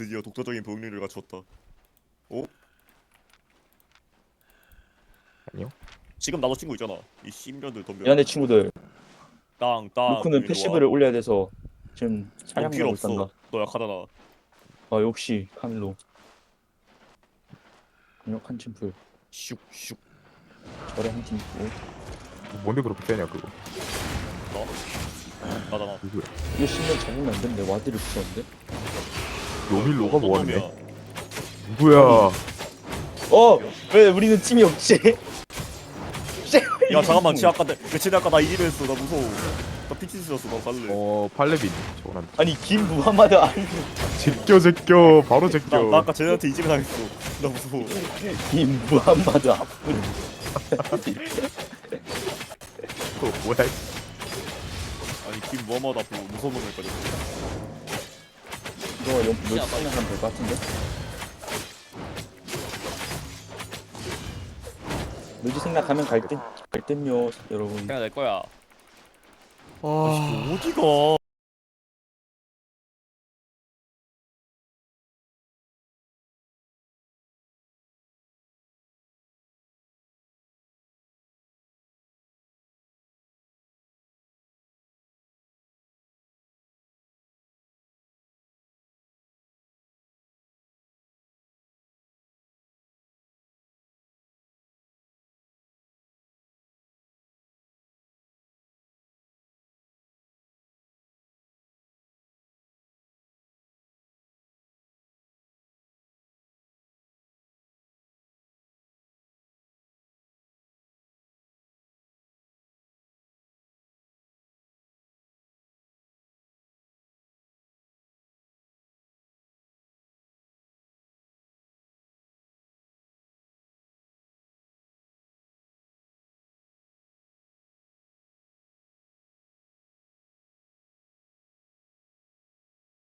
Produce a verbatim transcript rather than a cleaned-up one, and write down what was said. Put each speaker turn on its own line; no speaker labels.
드디어 독자적인 병력을 갖췄다. 어?
아니요.
지금 나도 친구 있잖아. 이 씨년들 덤벼.
미안해 친구들.
땅, 땅.
루크는
일로
패시브를
와.
올려야 돼서 지금
넌
사냥
필요
나고
없어.
있단다.
너 약하잖아.
아 역시 카밀로. 강력한 침풀.
슉슉.
절에 한 팀 있고.
뭔데 그렇게 세냐 그거.
너? 나잖아.
누구야?
이거 씹면 잡으면 안 되는데 와드를 붙였는데.
요밀로가
어떤
뭐하는데?
놈이야?
누구야?
어! 왜 우리는 팀이 없지?
야 잠깐만, 쟤 아까 내, 쟤 아까 나 이기려 했어. 나 무서워. 나 피치 쓰였어. 나 갈래.
어 팔레빈 저거는
아니 김 무하마드 아니
제껴 제껴 바로
나,
제껴.
나 아까 쟤네한테 이지면 당했어. 나 무서워.
김 무하마드 아픈.
그거 뭐야?
아니 김 뭐마다 앞으로 무서운 놈일까지.
이거 몇 시간 하면 될 것 같은데? 묘지 생각하면 갈듯 갈듯요 여러분.
그냥 내 거야.
와
어디가?